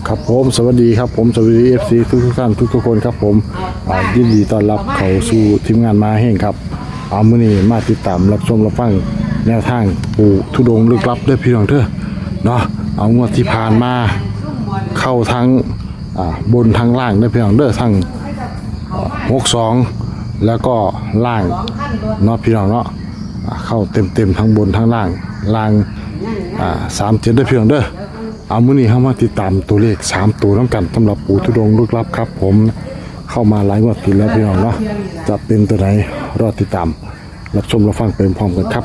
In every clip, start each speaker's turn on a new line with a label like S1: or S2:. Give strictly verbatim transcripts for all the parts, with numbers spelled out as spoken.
S1: ครับผมสวัสดีครับผมสวัสดีเอฟซีทุกทุกท่านทุกทุกคนครับผมยินดีต้อนรับเข้าสู่ทีมงานมาแห่งครับเอามื้อนี้มาติดตามรับชมรับฟังแนวทางปู่ธุดงค์ลึกลับด้วยพี่น้องเถอะเนาะเอางวดที่ผ่านมาเข้าทั้งบนทั้งล่างด้วยพี่น้องเด้อทั้งหกสองแล้วก็ล่างเนาะพี่น้องเนาะเข้าเต็มเต็มทั้งบนทั้งล่างล่างสามเจ็ดด้วยพี่น้องเด้อเอามื้อนี้เข้ามาติดตามตัวเลขสามตัวน้ำกันสำหรับปู่ธุดงค์ลึกลับครับผมเข้ามาหลายงวดติดแล้วพี่น้องเนาะจะเป็นตัวไหนรอติดตามรับชมรับฟังเป็นพร้อมกันครับ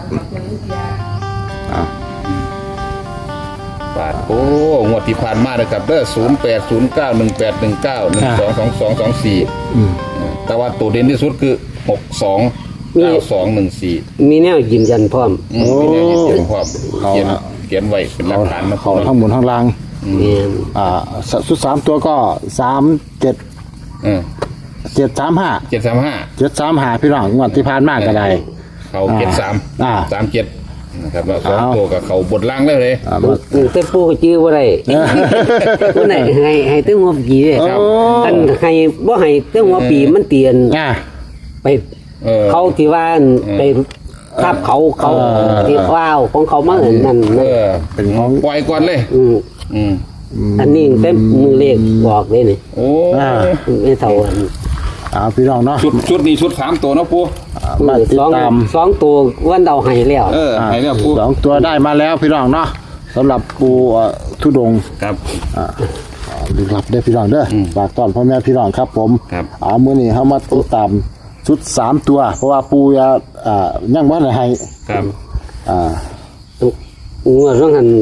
S2: บาทโอ้งวดที่ผ่านมาเลยครับเด้อศูนย์แปดศูนย์เก้าหนึ่งแปดหนึ่งเก้าหนึ่งสองสองสองสองสี่แต่ว่าตัวเด่นที่สุดคือหกสองเก้าสองหนึ่งสี่
S3: มีแนวยืนยันพร้อม
S2: มีแนวยืนยันพร้อมเขียนเขียนไว้เป็นหลักฐานนะ
S1: เขาทั้งบนทั้งล่าง
S3: เนี่ย
S1: อ่าสุดสามตัวก็สามเจ็ดเจ็ดสามห้า
S2: เจ็ดสามห้า
S1: เจ็ดสามห้าพี่น้องงวดที่ผ่านมากก็ได้
S2: เขาเจ็ดสาม
S1: อ่า
S2: สามเจ็ดนะครับแล้วสองตัวกับเขาบดล่างได้เลย
S3: แต่ปูก็จื้อบ่ได้ผู้ไหนให้ให้ตึ้งหัวปีเด้อันให้บ่ให้ตึ้งหัวปีมันเตียนไปเขาที่ว่าไปทับเขาเขาที่ว้าวของเขามาเห็นนั่น
S2: เออเป็นของปล่อยก่อนเลยอืมอืม
S3: อันนี้เต็มมือเลขบอกเลยนี่
S2: โอ้
S3: ไม่เท่าอัน
S1: อ่าพี่น้องเนาะ
S2: ชุดชุดนี้ชุดสามตัวนะปู
S1: มาติดตาม
S3: สองตัววันเดาให้แล้ว
S2: เออให้แล้วปู
S1: สองตัวได้มาแล้วพี่น้องเนาะสำหรับปู่ธุดงค์
S2: ครับ
S1: อ่าลึกลับได้พี่น้องเด้อฝากต้อนพ่อแม่พี่น้องครับผมอ่ามื้อนี้เฮามาติดตามชุดสามตัวเพราะว่าปู่อ่าอ่ายังบ่ได้ให้
S2: ครับ
S1: อ่า
S3: งัวร้องหัน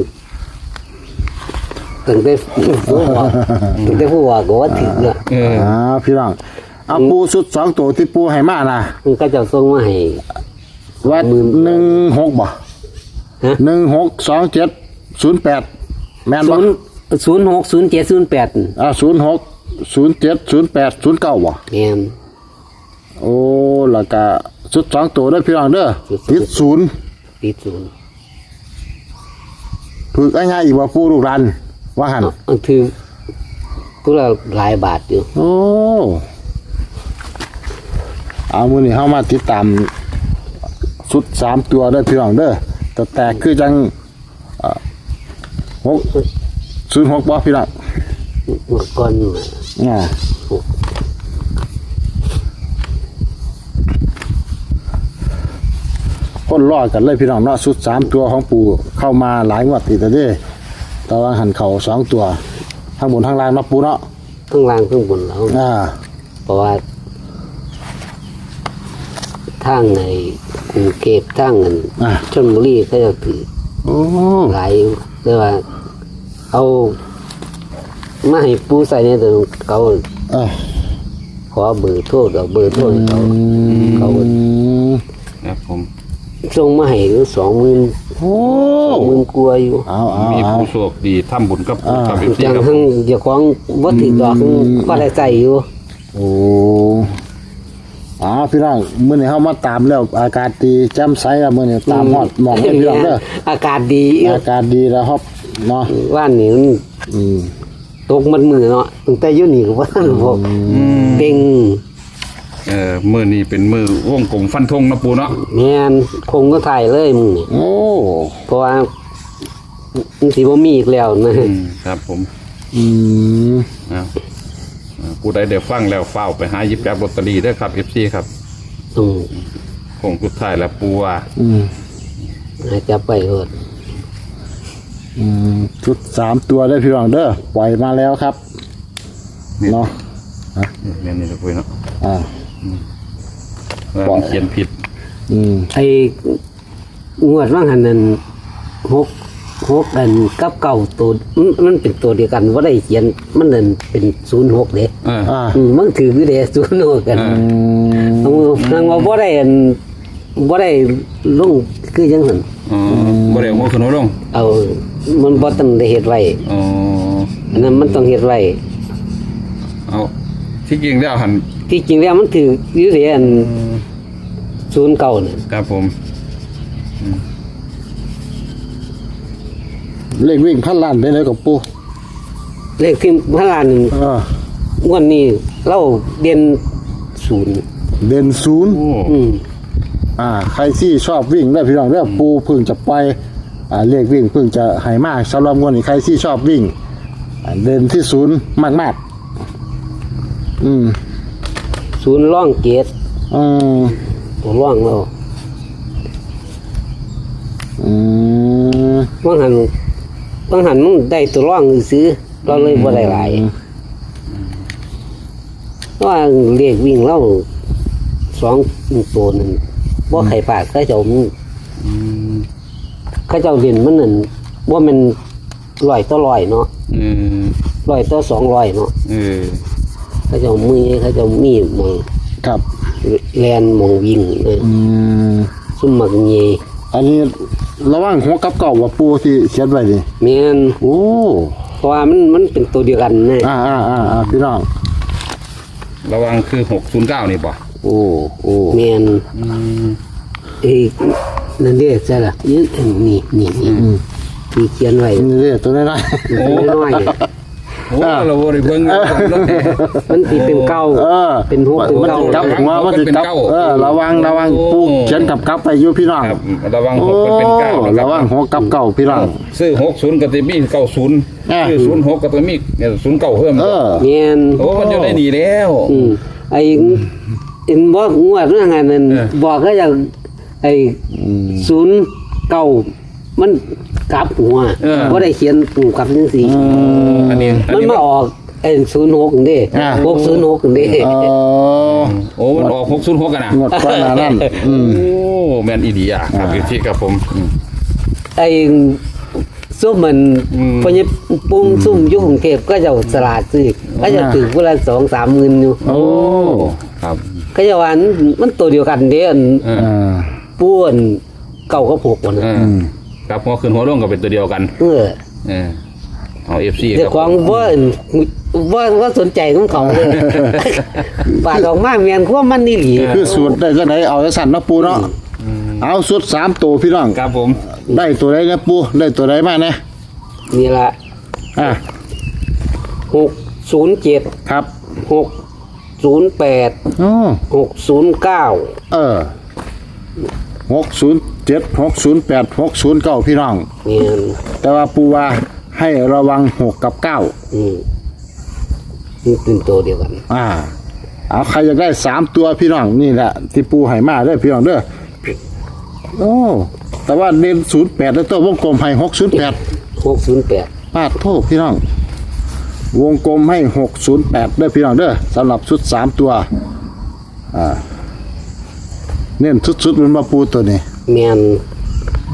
S3: ตั้งแต่ผู้ว่าตั้งแต่ผู้ว่าก็ว่าถึงอ่ะ
S1: อ่าพี่น้องเอาปูสุดสองตัวที่ปูให้มานะ
S3: มันก็จะส่งมาให้
S1: ว่าหนึ่งหกบ่หนึ่งหกสองเจ็ดศูนย์แปดแม่นบ่
S3: ศูนย์หกศูนย์เจ็ดศูนย์แปด
S1: อ่าศูนย์หกศูนย์เจ็ดศูนย์แปดศูนย์เก้าบ่
S3: แม่น
S1: โอ้แล้วก็สุดสองตัวด้วยพี่น้องเด้อติดศูนย์
S3: ติดศูนย์
S1: ฝึกง่ายๆอีกว่าปูลูกรันว่าหัน
S3: คือตัวละหลายบาทอยู่
S1: โอ้เอามื้อนี้เฮามาติดตามชุดสามตัวเด้อพี่น้องเด้อแต่แตกคือจังเอ่อหกศูนย์หกบ่พี่น้อง
S3: เมื่อก่อน
S1: อ่าคนรอดกันเลยพี่น้องเนาะชุดสามตัวของปู่เข้ามาหลายงวดติดแล้วเด้แต่ว่าหันเข่าสองตัวทั้งบนทั้งล่างเนาะปู่เนาะ
S3: ทั้งล่างทั้งบนแล้ว
S1: อ่า
S3: เพราะว่าทางในกรุงเทพทางเงินชลบุรีก็จะถือหลายแต่ว่าเอามาให้ปูใส่ในตัวเขาขอเบอร์โทรเอาเบอร์โทรเขาเขา
S2: ครับผม
S3: ส่งมาให้สองหมื่น
S1: โอ้
S3: สองหมื่นกลัวอยู่
S2: มีผู้โชคดีทำบุญกับปู่กับพี่
S3: อย่างทั้งเดี๋ยวของวัตถุดอกก็ได้ใจอยู่
S1: โอ้อ๋อพี่น้องมื้อนี้เฮามาตามแล้วอากาศดีแจ่มใสแล้วมื้อนี้ตามฮอดหมอกพี่น้องเด้อ
S3: อากาศดี
S1: อากาศดีแล้วครับเนาะ
S3: ว่านนี้อืมตกมันมือเนาะตั้งแต่อยู่นี่ก็ว่าพวกเก่ง
S2: เอ่อมื้อนี้เป็นมื้อวงกลมฟันธงนะปู่เนาะ
S3: แม่นคงก็ถ่ายเลยมึงนี่
S1: โอ้
S3: เพราะว่ามันสิบ่มีอีกแล้ว
S2: นะครับผม
S1: อืม
S2: อ่าผู้ใดได้ฟังแล้วเฝ้าไปหาหยิบจับลอตเตอรี่เด้อครับ เอฟ ซี ครับ
S3: อืม
S2: คงสุดท้ายแล้วปู่ว่า
S1: อืม
S3: ให้จับไปเถิด
S1: อืมชุดสามตัวได้พี่น้องเด้อปล่อยมาแล้วครับเนาะ
S2: ฮะเนี่ยนี่คุยเนาะ
S1: อ่า
S2: ว่าเขียนผิด
S1: อืม
S3: ไอ้งวดว่าหันนั้นหกหกอันกับเก่าตัวมันเป็นตัวเดียวกันว่าได้เขียนมันนั่นเป็นศูนย์หกเด้
S1: อ่า
S3: มันถือคือเด้ศูนย์หกกันทางว่าบ่ได้อันบ่ได้ลงคือจังซั่น
S2: อ๋อบ่ได้หัวขนมลง
S3: เอามันบ่ต้องได้เฮ็ดไว้
S2: อ๋อ
S3: อันนั้นมันต้องเฮ็ดไว้
S2: เอาที่จริงแล้วหั่น
S3: ที่จริงแล้วมันถืออยู่เด้อันศูนย์เก้าน่ะ
S2: ครับผม
S1: เลขวิ่งพันล้านได้เลยกับปู่
S3: เลขที่พระลาน
S1: เออง
S3: วดนี้เราเด่นศูนย์
S1: เด่นศูนย์
S3: อืม
S1: อ่าใครที่ชอบวิ่งได้พี่น้องเด้อปูเพึ่งจะไปอ่าเลขวิ่งเพึ่งจะให้มากสำหรับงวดนี้ใครที่ชอบวิ่งอ่าเด่นที่ศูนย์มากๆอืม
S3: ศูนย์ร่องเกต
S1: อืม
S3: ตัวร่องเรา
S1: อืม
S3: บางหันบางหันมันได้ตัวร่องซื้อเราเลยบ่ได้หลายเพราะว่าเลขวิ่งเราสองตัวนั่นบ่ไข่ปากเขาเจ้ามันเขาเจ้าเด่นมันนั่นว่ามันร้อยต่อร้อยเนาะ
S2: อืม
S3: ร้อยต่อสองร้อยเนาะ
S2: เออ
S3: เขาเจ้ามือเขาเจ้ามีหมอง
S1: ครับ
S3: แลนหมองวิ่งเลย
S1: อืม
S3: ซุ่มหมักเย
S1: อันนี้ระหว่างหัวกับเก่าว่าปูที่เขียนไว้นี่
S3: แม่น
S1: โอ้
S3: เพราะว่ามันมันเป็นตัวเดียวกันนะ
S1: อ่าอ่าอ่าอ่าพี่น้อง
S2: ระวังคือหกศูนย์เก้านี่ป่ะ
S1: โอ้โอ้
S3: แม่นเอ้ยนั่นเด้ใช่ล่ะนี่นี่นี่นี่ที่เขียนไว้
S1: นี่เด้อตัวน้อย
S3: ตัวน้อยๆ
S2: โอ้เราบริเวณ
S3: มันสิเป็นเก้า
S1: ๆเออ
S3: เป็นหัวเป็น
S1: มัน
S3: เก้า
S1: สิกลับหัวมันสิกลับเออระวังระวังปูเขียนกับกลับไปอยู่พี่น้อง
S2: ครับระวัง
S1: โอ้
S2: หกมันเป็นเก้านะค
S1: ระวังหัวกับเก่าพี่น้อง
S2: ซื้อหกศูนย์กับตัวมีเก้าศูนย์
S1: อ่า
S2: ซื้อศูนย์หกกับตัวมีเนี่ยศูนย์เก้าเพิ่ม
S1: เออ
S3: แม่น
S2: โอ้มันจะได้หนีแล้ว
S3: อืมไอ้เอ็นบอกงวดเรื่องไงนั่น
S2: เออ
S3: บอกก็อย่างไอ้ศูนย์เก้ามันกลับหัวบ่ได้เขียนปูกลับจังซี่
S2: อันนี้อัน
S3: มัน
S2: นี้
S3: มาออกไอ้ศูนย์หกเด้
S1: อ่า
S3: หกศูนย์หกเด้
S1: เออ
S2: โอ้มันออกหกศูนย์หกกันนะ
S1: งวดก่อนหน้านั้นอืม
S2: โอ้แมนอีดีอ่ะครับอยู่ที่กับผมอืม
S3: ไอ้ซุ่มมัน
S2: อืม
S3: พอเนี่ยปุ้มซุ่มอยุ่กรุงเทพก็จะสลาดซื้อก็จะถือเวลาสองสามหมื่นอยู่
S1: โอ้
S2: ครับ
S3: ก็จะว่ามันตัวเดียวกันเด้อัน
S2: เออ
S1: อ่า
S3: ป้วนเก่าก็ผูกวัน
S2: เอ
S3: นะ
S2: อครับหัวขึ้นหัวลงก็เป็นตัวเดียวกัน
S3: เออ
S2: เออเอาเอฟซี
S3: เจ้าของว่าว่าว่าสนใจของเขาเลยปาดออกมาเมียนขั้วมันนี่หลี
S1: คือสูตรได้จังไดเอาจังสั่นเนาะปูเนาะเอาสูตรสามตัวพี่น้อง
S2: ครับผม
S1: ได้ตัวใดนะปูได้ตัวใดมาเนี่ย
S3: นี่ละ
S1: อ่ะ
S3: หกศูนย์เจ็ด
S1: ครับ
S3: หกศูนย์แปด
S1: อ๋อ
S3: หกศูนย์เก้า
S1: เออหกศูนย์เจ็ดหกศูนย์แปดหกศูนย์เก้าพี่น้อง
S3: เมียน
S1: แต่ว่าปูว่าให้ระวังหกกับเก้า
S3: อืมนี่เป็นตัวเดียวกัน
S1: อ่าเอาใครอยากได้สามตัวพี่น้องนี่แหละที่ปูให้มาเด้อพี่น้องเด้อโอ้แต่ว่าเน้นศูนย์แปดแล้วตัววงกลมให้หกศูนย์แปด
S3: หกศูนย์แปด
S1: ปาดโทษพี่น้อง วงกลมให้หกศูนย์แปดเด้อพี่น้องเด้อสำหรับชุดสามตัวอ่าเน้นชุดๆมันมาปูตัวนี้
S3: เมียน
S1: โอ้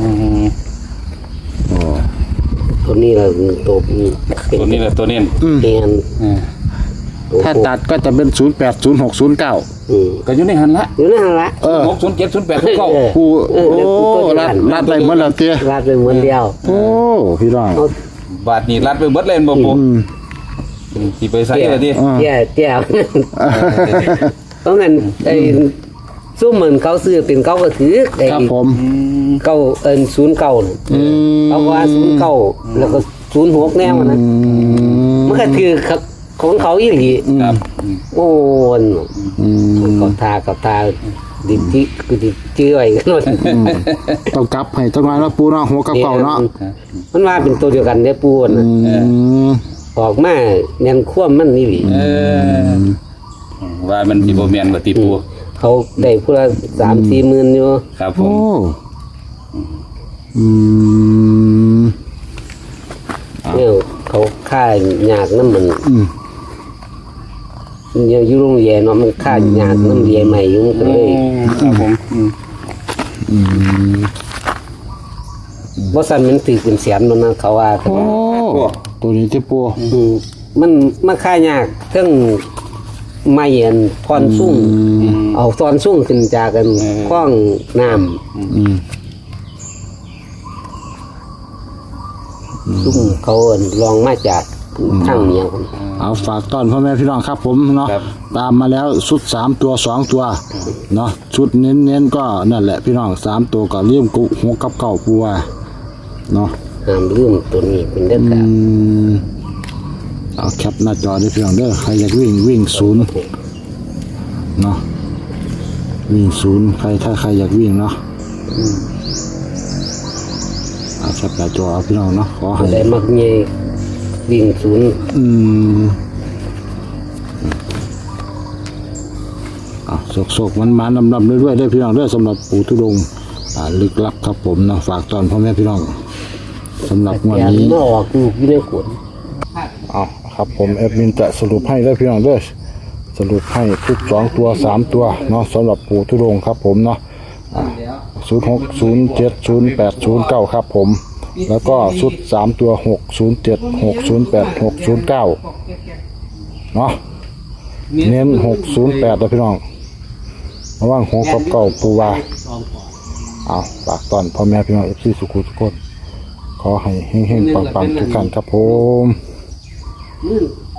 S3: ตัวนี้ละตัวเป็น
S2: ตัวนี้แหละตัวเน้น
S3: เมียน
S2: เออ
S3: ตัว
S1: ถ้าตัดก็จะเป็นศูนย์แปดศูนย์หกศูนย์เก้า
S3: อืม
S2: ก็อยู่ในหันละ
S3: อยู่นั่นละ
S1: เออ
S2: หกศูนย์เจ็ดศูนย์แปดศูนย์เก้า
S1: ปู
S3: เออ
S1: โอ้
S3: เดี๋ยวปูตัวเดียว
S1: รั
S3: กั
S1: ด
S3: น
S1: รัดไปเหมือนเราเตี้ย
S3: ลาดไปเหมือนเดียว
S1: โอ้พี่น้อง
S3: เอา
S2: บาทนี้รัดไปเบิดเล่นบ่ปู
S1: อืม
S2: สิไปใส่เลยดิ
S1: อ่า
S3: เตี้ยเตี้ยเพราะงั้นไอ้ซุ่มเหมือนเขาซื้อเป็นเขาก็ถือไอ้
S1: ครับผม
S3: เก้าเอินศูนย์เก้าน่ะ
S1: อืม
S3: เขาว่าศูนย์เก้าแล้วก็ศูนย์หกแนวนะ
S1: อืม
S3: มันก็คือของเขาอีหลี
S2: ครับ
S3: โอ้น
S1: อืม
S3: กับทากับทาดิจิคือดิจื้อไว้กันหมด
S1: ต้องกลับให้จังหวะแล้วปูเนาะหัวกับเก่าเนาะ
S3: มันว่าเป็นตัวเดียวกันได้อปูน
S1: อืม
S3: ออกมาแนนคว่ำมันนี่หลี
S2: เออว่ามันสิบ่แม่นบ่ติปู
S3: เขาได้พูละสามสี่หมื่นอยู่
S2: ครับผ
S1: โอ้
S2: ม
S1: อืม
S3: เนี่ยเขาค่ายหยาดน้ำมัน
S1: อืม
S3: อยู่อยู่โรงเรียนเนาะมันค่ายหยาดน้ำเรียนใหม่อยู่มันก็เลย
S2: ครับผมอืม
S1: อืม
S3: บ่สั่นมันถือเป็นแสนมันนะเขาว่ากัน
S1: โอ้ตัวนี้ที่ปู
S3: อืมมันมันค่ายยากเครื่องไม้อันพรสุ่งเอาตอนสุ่งขึ้นจากกันคล้องน้ำ
S1: อืม
S3: สุ่งเขาอันลองมาจากทางเหนียว
S1: เอาฝากต้อนพ่อแม่พี่น้องครับผมเนาะตามมาแล้วชุดสามตัวสองตัวเนาะชุดเน้นเน้นๆก็นั่นแหละพี่น้องสามตัวก็เลี่ยมกุหัวกับเก่าปูว่าเนาะ
S3: ห้ามลืมตัวนี้เป็นเด็ด
S1: อื
S3: ขาด
S1: มเอาแคปหน้าจอได้พี่น้องเด้อใครอยากวิ่งวิ่งศูนย์เนาะวิ่งศูนย์ใครถ้าใครอยากวิ่งเนาะเอาแคปหน้าจอเอาพี่น้องเนาะขอให้
S3: ได้มักเงยวิ่งศูนย์
S1: อืมอ่ะโศกๆมันมาลำลำเรื่อยๆได้พี่น้องเด้อสำหรับปู่ทุดงค์อ่าลึกลับครับผมเนาะฝากตอนพ่อแม่พี่น้องสำหรับงวัน
S3: แกน
S1: นี้
S3: มาออกลูกอยู่ในขวด
S1: เอาครับผมแอดมินจะสรุปให้ได้พี่น้องเด้อสรุปให้ทุกสองตัวสามตัวเนาะสำหรับปู่ทุดงค์ครับผมเนาะศูนย์หกศูนย์เจ็ดศูนย์แปดศูนย์เก้าครับผมแล้วก็ชุดสามตัวหกศูนย์เจ็ดหกศูนย์แปดหกศูนย์เก้าเนาะเน้นหกศูนย์แปดนะพี่น้องระหว่างหกกับเก้าปูวาเอาฝากตอนพ่อแม่พี่น้องเอฟซีสุขุทุกคนขอให้เฮงๆปังๆทุกท่านครับผม
S3: มือ